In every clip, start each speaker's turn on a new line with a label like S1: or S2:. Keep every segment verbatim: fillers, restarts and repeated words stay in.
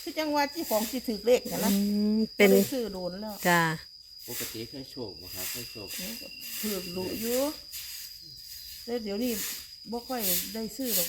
S1: คือจังว่าที่ของที่ถือเลขนะ
S2: เป็น
S1: ซื้อโดนแล้ว
S2: จ้า
S3: ปกติเคยโชคบ่ครับเคยโชค
S1: ถือรู้อยู่แล้วเดี๋ยวนี้บ่ค่อยได้ซื้อหรอก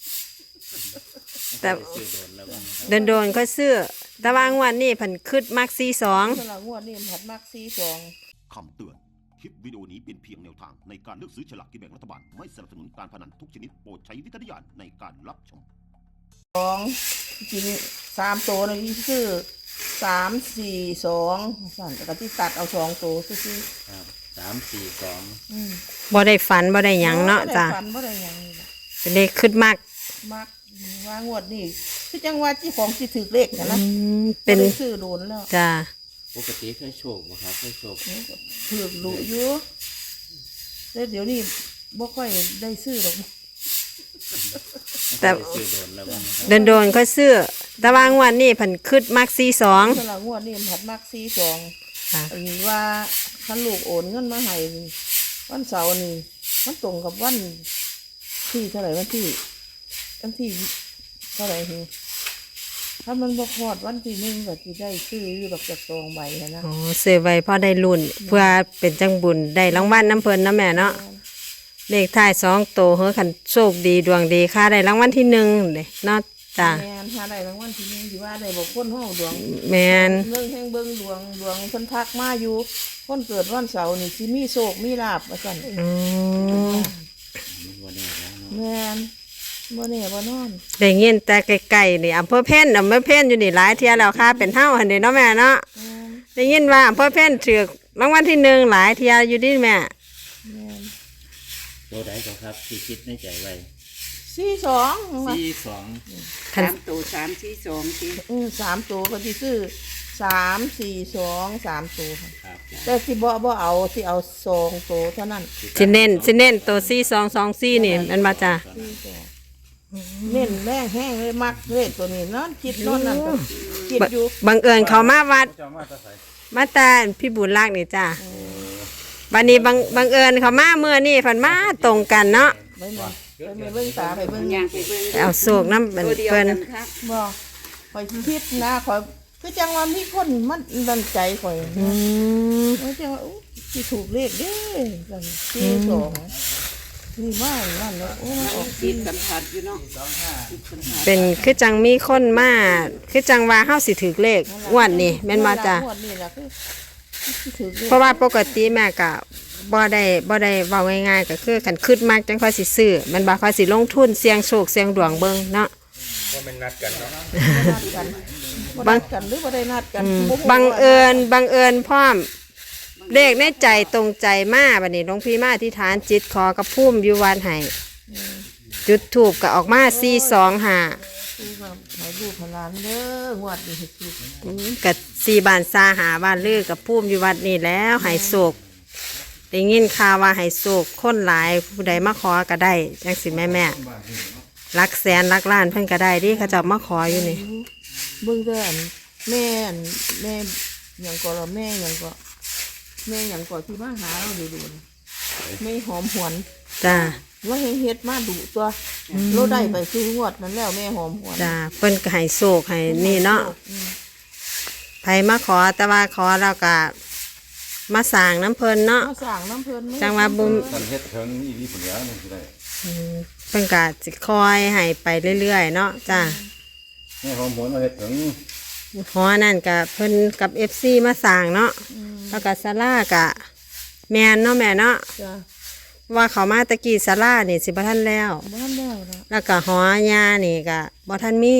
S2: แต่
S3: ซื้อโดนแล้ว
S2: โดนโดนก็ซื้อแต่ว่างวันนี้ผันคืดมักซีสอง
S1: สลังวดนี่ผัดมักซีสอง
S4: คำเตือนคลิปวิดีโอนี้เป็นเพียงแนวทางในการเลือกซื้อฉลากกินแบ่งรัฐบาลไม่สนับสนุนการพนันทุกชนิดโปรดใช้วิจารณญาณในการรับชม
S1: สองจริงสามตัวนะที่ซื้อสามสี่สองสั่นแต่ก็ที่ตัดเอาสองตัวซื้อ
S3: ครับสามสี่สอง
S2: บ่ได้ฝันบ่ได้หยังเนาะจ้า
S1: ฝันบ่ได้หยัง
S2: เป็นเลขคืดมัก
S1: มักว่างวดนี่คือจังว่าที่ของที่ถือเลขนะ
S2: เป็น
S1: ซื้อโดนแล้ว
S2: จ้า
S3: ปกติเคยโชคบ่ครับเคยโชค
S1: ถือรู้อยู่แล้วเดี๋ยวนี้บ่ค่อยได้ซื้อหรอก
S2: แต่
S3: ซื้อโดนแล้ว
S2: โดนโดนก็ซื้อแต่ว่างวันนี้ผันคืดมักซีสอง
S1: สลังวดนี่ผัดมักซีสองอันนี้ว่าคันลูกโอนเงินมาให้วันเสาร์นี่มันตรงกับวันที่เท่าไหร่วันที่วันที่เท่าไหร่ทีถ้ามันบกพอดวันที่หนึ่งก็จะได้ซื้ออยู่ดอกจากซองใบนะ
S2: อ๋อซื้อไว้พอได้รุ่นเพื่อเป็นจังบุญได้รางวัลน้ำเพลินนะแม่เนาะเลขท้ายสองโตเฮ้ยขันโชคดีดวงดีค่ะได้รางวัลที่หนึ่งเลยเนาะจ้า
S1: แมนถ้าได้รางวัลที่หนึ่งที่ว่าได้บอกคนห้องดวง
S2: แมน
S1: เรื่องแห่งเบิ้งดวงดวงคนทักมาอยู่คนเกิดวันเสาร์นี่สิมีโชคมีลาบมาสั่น
S2: อืม
S1: แมนบ่แน่บ่นอน
S2: ได้เงินแต่ไกลๆนี่อำเภอเพ่นอำเภอเพ่นอยู่นี่หลายเที่ยแล้วค่ะเป็นเท่าหันเด้เนาะแม่เนาะได้ยินว่าอำเภอเพ่นถือรางวัลที่หนึ่งหลายเที่ยอยู่ดิแม่
S3: ตัวใดก็ครับที่คิดในใจไว้
S1: สี่สอง
S3: สี่สอง
S5: สามตัวสามสี่สองสี่
S1: อือสามตัวก็ที่ซื้อสามสี่สองสามตัว
S3: ครับ
S1: แต่สิบ่บ่เอาสิเอาสองตัวเท่านั้น
S2: สิเน้นสิเน้นตัวสี่สองสองสี่นี่มันมาจ้ะ
S1: เน้นแรงแห้งเลยมักเลยตัวนี้นอนคิดนอนนั่นก็คิดอยู่
S2: บังเอิญเขามาวัดมาตาพี่บุญรักนี่จ้ะวันนี้บังบังเอิญเขามาเมื่อนี่ฝันมาตรงกันเนาะ
S1: ไปมาไปเบิ่งตาไปเบิ่ง
S5: ยางไปเบิ่ง
S2: เอาโศกน้ำเป็นเพิ่น
S1: บ่คอยคิดนะคอยคือจังว่ามีคนมันดันใจคอย
S2: อืม
S1: ว่าจังว่าสิถูกเลขเด้จังสี่สองนี่มานั่นเนาะโอ้ออก
S5: จิตสัมผัสอยู่เนาะ
S2: เป็นคือจังมีคนมาคือจังว่าเฮาสิถือเลขอ้วนนี่แม่นบ่จ้ะเพราะว่าปกติแม่ก็บ่ได้บ่ได้เว้าง่ายๆก็คือคันคิดมากจังค่อยสิซื้อมันบ่ค่อยสิลงทุนเสี่ยงโชคเสี่ยงดวงเบิ่งเนาะ
S3: ว่ามันนัดกันเนาะ
S1: นัดกันบังกันหรือบ่ได้นัดกัน
S2: บังเอิญบังเอิญพร้อมเลขในใจตรงใจมาบัดนี้หลวงพี่มาอธิษฐานจิตขอกับภูมิอยู่วัดให้จุดธูปก็ออกมาสี่สองห้า
S1: ให้ลูกหลานเด้องวดนี้
S2: สิก็สี่บ้านซาหาบ้านลือกับภูมิอยู่วัดนี่แล้วให้โศกได้ยินข่าวว่าให้โศกคนหลายผู้ใดมาขอก็ได้จังสิแม่แม่รักแสนรักล้านเพิ่นก็ได้ดิเขาจะมาขออยู่นี่
S1: เบิ่งเด้อแม่แม่หยังก็ละแม่หยังก็แม่หยังก็ที่มาหาเราดูๆไม่หอมหวน
S2: จ้า
S1: ว่าเฮ็ดมาดุตัวเราได้ไปซื้องวดนั้นแล้วแม่หอมหวน
S2: จ้าเพิ่นก็ให้โศกให้นี่เนาะไผมาขอแต่ว่าขอเราก็มาสร้างน้ำเพลินเนาะ
S1: มาสร้างน้ำเพลิน
S2: จังว่าบุญ
S4: เฮ็ดถึงอีนี่ผลแล้วนี่สิได้
S2: เพิ่นก็สิคอยให้ไปเรื่อยๆเนาะจ้า
S4: แม่หอมหวนมาเฮ็ดถึง
S2: หอนั่นก็เพิ่นกับ เอฟ ซี มาสร้างเนาะแล้วก็ศาลาก็แม่นเนาะแม่เนาะว่าเขามาตะกี้ศาลานี่สิบ่ทันแล้ว
S1: บ่ทันแล้ว
S2: แล้วก็หอยานี่ก็บ่ทันมี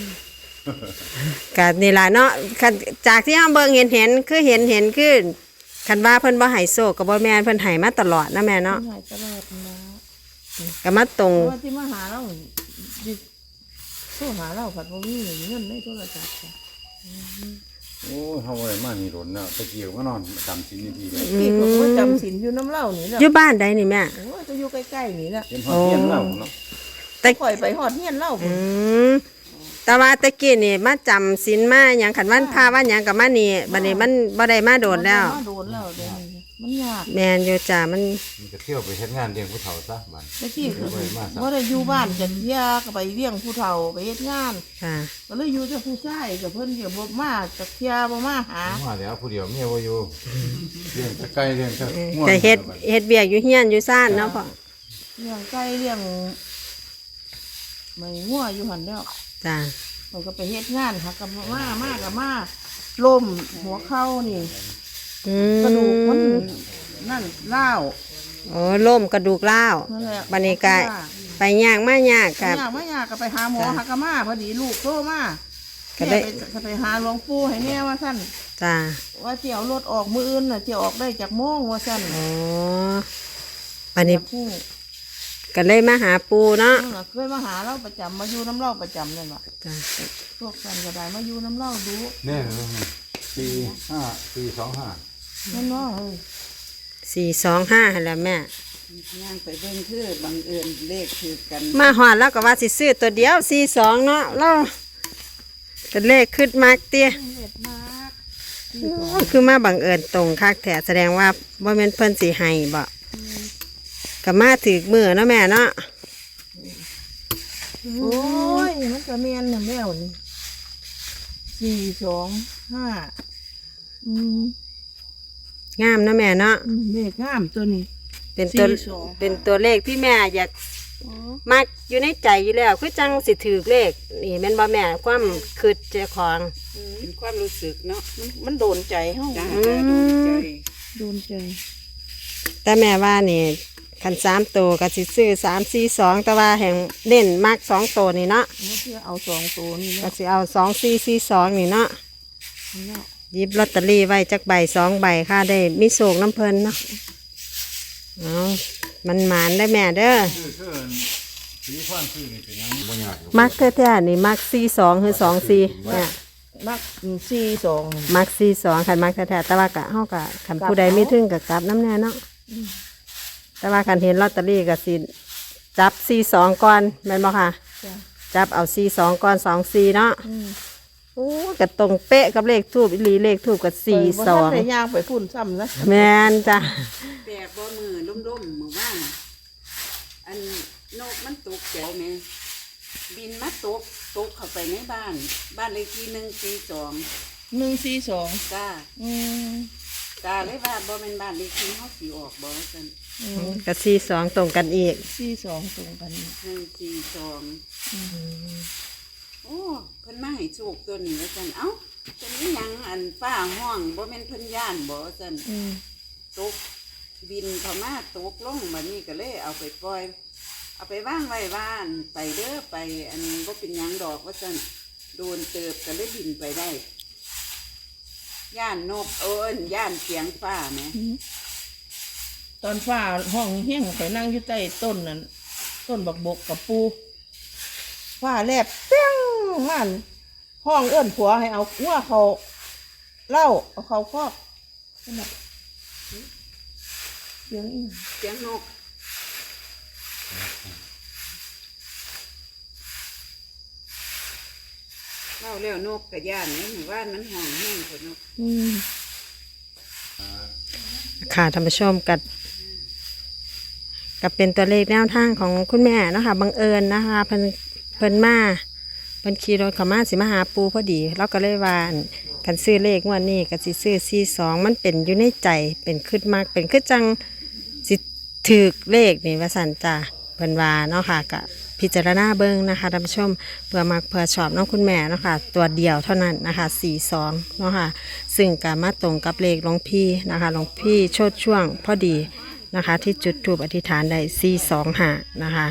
S2: ก็นี่ล่ะเนาะจากที่เฮาเบิ่งเห็นเห็นคือเห็นเห็นคือคันว่าเพิ่นบ่ให้โชคก็บ่แม่นเพิ่นให้มาตลอดนะแม่เนาะ
S1: ให้ตลอดนะ
S2: ก็มาตรง
S1: ว่าที่มาหาเราโทรหาเราผัดบ่มีเงินในโทรศัพท์จ้ะ
S4: โอ้เฮาได้มานี่โดนแล้วตะเกียวก็นอนจำศีลนี่ดีเลย
S1: พี่ก็บ่จำศีลอยู่น้ำเล่านี่แหละ
S2: อยู่บ้านใดนี่แม่
S1: โอ้จะอยู่ใกล้ๆนี่แหละ
S4: เป็นฮอดเฮียนเล่าเนาะ
S1: แต่ปล่อยไปฮอดเฮียนเล่า
S2: อืมแต่ว่าตะกี้นี่มาจำศีลมาหยังคันวันพาวันหยังก็มานี่บัดนี้มันบ่ได้มาโดนแล้ว
S1: มาโดนแล้วเด้อมันยาก
S2: แมนอยู่จ้ามัน
S6: มันก็เที่ยวไปเฮ็ดงานเลี้ยงผู้เฒ่าซะบัด
S1: ตะกี้ก็
S6: บ่ได้มาซะ
S1: บ่ได้อยู่บ้านจันเที่ยก็ไปเลี้ยงผู้เฒ่าไปเฮ็ดงาน
S2: ค่ะ
S1: ก็เลยอยู่แต่ผู้ชายกับเพิ่นก็บ่มาจักเที่ยบ่มาหา
S6: มาแล้วผู้เดียวเมียบ่อยู่เลี้ยงแต่ไก่เลี้ยงแต่งัว
S2: จะเฮ็ดเฮ็ดเบียกอยู่เฮียนอยู่ซ่านเนาะพ่อ
S1: เลี้ยงไก่เลี้ยงไม่งัวอยู่หั่นแล้ว
S2: จ้า
S1: มันก็ไปเฮ็ดงานค่ะกับมามากับมาล้มหัวเข่านี่
S2: อื
S1: กระดูกมัน
S2: ม
S1: นั่นล้าว
S2: โอ้ล่มกระดูกร้าว
S1: นั่นแหละ
S2: บัดนี้ก็ไปย่างมายาก
S1: กั
S2: กั
S1: บบ ยากไม่ยากก็ไปหาหมอหากะมาพอดีลูกโตมา
S2: ก็ได้
S1: แม่ไปจะไปหาหลวงปู่ให้แน่ว่าท่าน
S2: จ้า
S1: ว่าเจียวรถออกมืออื่นน่ะเจียวออกได้จากโมงว่าท่าน
S2: โอ้บัดนี้
S1: ผู้
S2: ก็เลยมาหาปูเนาะ
S1: นั่นน่ะเคยมาหาเราประจำมาอยู่น้ำเล่าประจำนั่นแหละ
S2: จ้า
S1: พวกกันก็ได้มาอยู่น้ำเล่าดู
S6: แน่ปีห้าปีสองห้า
S1: นั่นเนาะเฮ้ย
S2: สี่สองห้าหั่นแหล้วแม่
S5: ย่างไปเบิ่งคือบังเอิญเลขคือกัน
S2: มาหอดแล้วก็ว่าสิซื้อตัวเดียวสี่สองเนาะเราแต่เลขขึ้นมากเตี้ย
S1: เด็ดมาก
S2: คือมาบังเอิญตรงคักแถแสดงว่าว่าเป็นเพิ่นสีให้บ่ก็มาถือมือเนาะแม่เนาะ
S1: โอ้ยมันก็เมียนน่ะแล้วนี่สี่สองห้าอืม
S2: งามเนาะแม่เนาะ
S1: อืมเลขงามตัวนี้
S2: เป็นตัว
S1: สี่สอง
S2: เป็นตัวเลขที่แม่อยากมักอยู่ในใจอยู่แล้วคือจังสิถือเลขนี่แม่นบ่แม่ความคืดเจ้าของ
S5: เป็นความรู้สึกเนาะ
S1: มันมันโดนใจเฮา
S5: จ้า
S2: อืม
S5: จ้าดูใจ
S1: โดนใจ
S2: แต่แม่ว่านี่คันสามตัวก็สิซื้อสามสี่สองแต่ว่าแห่งเน้นมากสองตัวนี่เนาะ
S1: เอาเพื่อเอาสองตัวนี่
S2: ก็
S1: เนาะ
S2: สิเอาสองสี่สี่สองนี่เนาะ
S1: นี่เนาะ
S2: หยิบลอตเตอรี่ไว้จักใบสองใบค่ะได้มีโศกน้ำเพลินเนาะเอามันหมานได้แม่เด้อ
S6: คือคือสีฟ้านคือนี่เป็นหยังบ่ยาก
S2: มักแท้ๆนี่มักสี่สองคือสองสี่เนี่ย
S1: มักสี่สอง
S2: มักสี่สองขันมักแท้ๆแต่ว่ากะเฮากะขันผู้ใดไม่ถึงกับกลับน้ำแน่เนาะแต่ว่าขันเห็นลอตเตอรี่กับสิจับสี่สองก่อนแม่นบ่ค่ะ
S1: จ้ะ
S2: จับเอาสี่สองก่อนสองสี่เนาะ
S1: อืม
S2: โอ้กะตรงเป๊ะกับเลขทูบอีหลีเลขทูบกับสี่สอง
S1: บ่ทันได้ย่างไปพุ่นซ้ำนะ
S2: แม่นจ้ะ
S5: แปลกบ่มือล่มๆมือว่านอันนกมันตกใจแม่บินมาตกตกเข้าไปในบ้าน บ้านเลขที่หนึ่งสี่สอง
S1: หนึ่งสี่สอง
S5: จ้า
S1: อืม
S5: ตาเลยว่าบ่เป็นบ้านเลขที่เฮาสิออกบ่ซั่น
S1: อืม
S2: กับสี่สองตรงกันอีก
S1: สี่สองตรงกัน
S5: หนึ่งสี่สองโอ้เพิ่นมาให้โชคตัวนี้ว่าซั่นเอ้าเป็นอิหยังอันฟ้าห้องบ่แม่นเพิ่นย่านบ่ซั่น
S1: อืม
S5: ตกบินเข้ามาตกลงบัดนี้ก็เลยเอาไปปล่อย เอาไปว่างไว้บ้านไปเด้อไป อันบ่เป็นหยังดอกว่าซั่นโดนเติบก็เลยบินไปได้ ย่านนกเอิ้นย่านเสียงฟ้าแหม
S1: ตอนฟ้าห้องเฮี้ยงไปนั่งอยู่ใต้ต้นนั่นต้นบักบกกับปูฟ้าแลบเปี้ยงมันห้องเอื้อนผัวให้เอางัวเขาเหล่าเอาเขาคอกนั่นน่ะเสียงอีหยัง
S5: เสียงนกเล่าแล้วนกกับย่านนี่หมู่บ้านมันห้องแห้งกว่านก
S1: อืม
S2: ค่ะท่านผู้ชมกับกับเป็นตัวเลขแนวทางของคุณแม่เนาะคะบังเอิญนะคะเพิ่นเพิ่นมาเพิ่นขี่รถเข้ามาสิมาหาปูพอดีเราก็เลยว่าอั่นกันซื้อเลขงวันนี้ก็สิซื้อสี่สองมันเป็นอยู่ในใจเป็นขึ้นมากเป็นขึ้นจังสิถือเลขนี่ว่าสันจ้าเพิ่นว่าเนาะค่ะกับพิจารณาเบิ้งนะคะท่านผู้ชมเพื่อมักเพื่อชอบน้องคุณแม่เนาะค่ะตัวเดียวเท่านั้นนะคะสี่สองเนาะค่ะซึ่งก็มาตรงกับเลขหลวงพี่นะคะหลวงพี่โชดช่วงพอดีนะคะที่จุดทูปอธิษฐานได้สี่สองห้านะคะ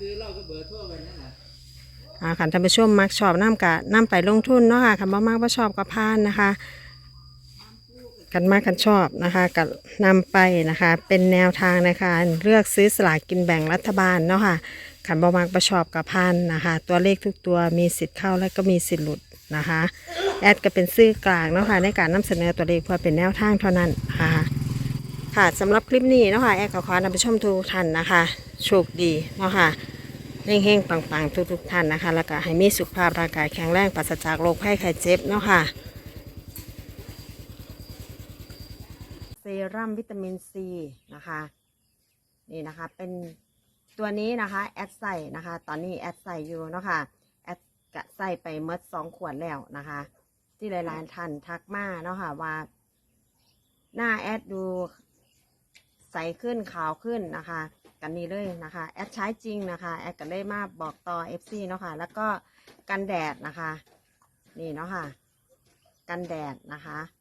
S2: อ่าขันท่านผู้ชมมักชอบน้ำกะน้ำไปลงทุนเนาะค่ะคันบ่มักบ่ชอบก็พานนะคะกันมากกันชอบนะคะกับนำไปนะคะเป็นแนวทางในการเลือกซื้อสลากกินแบ่งรัฐบาลเนาะค่ะขันบ่มักบ่ชอบกับพานนะคะตัวเลขทุกตัวมีสิทธิ์เข้าและก็มีสิทธิ์หลุดนะคะแอดก็เป็นซื่อกลางเนาะค่ะในการนำเสนอตัวเลขเพื่อเป็นแนวทางเท่านั้นนะคะค่ะสำหรับคลิปนี้เนาะค่ะแอดก็ขอนำไปชมทุกท่านนะคะโชคดีเนาะค่ะเฮงๆปังๆทุกๆท่านนะคะแล้วก็ให้มีสุขภาพร่างกายแข็งแรงปราศจากโรคภัยไข้เจ็บเนาะค่ะเซรั่มวิตามินซีนะคะนี่นะคะเป็นตัวนี้นะคะแอดใส่นะคะตอนนี้แอดใส่อยู่เนาะค่ะแอดกะใส่ไปเมื่อสองขวดแล้วนะคะ ที่หลายๆท่านทักมาเนาะค่ะว่าหน้าแอดดูใสขึ้นขาวขึ้นนะคะกันนี้เลยนะคะแอดใช้จริงนะคะแอดก็เลยมาบอกต่อ เอฟ ซี เนาะค่ะแล้วก็กันแดดนะคะนี่เนาะค่ะกันแดดนะคะ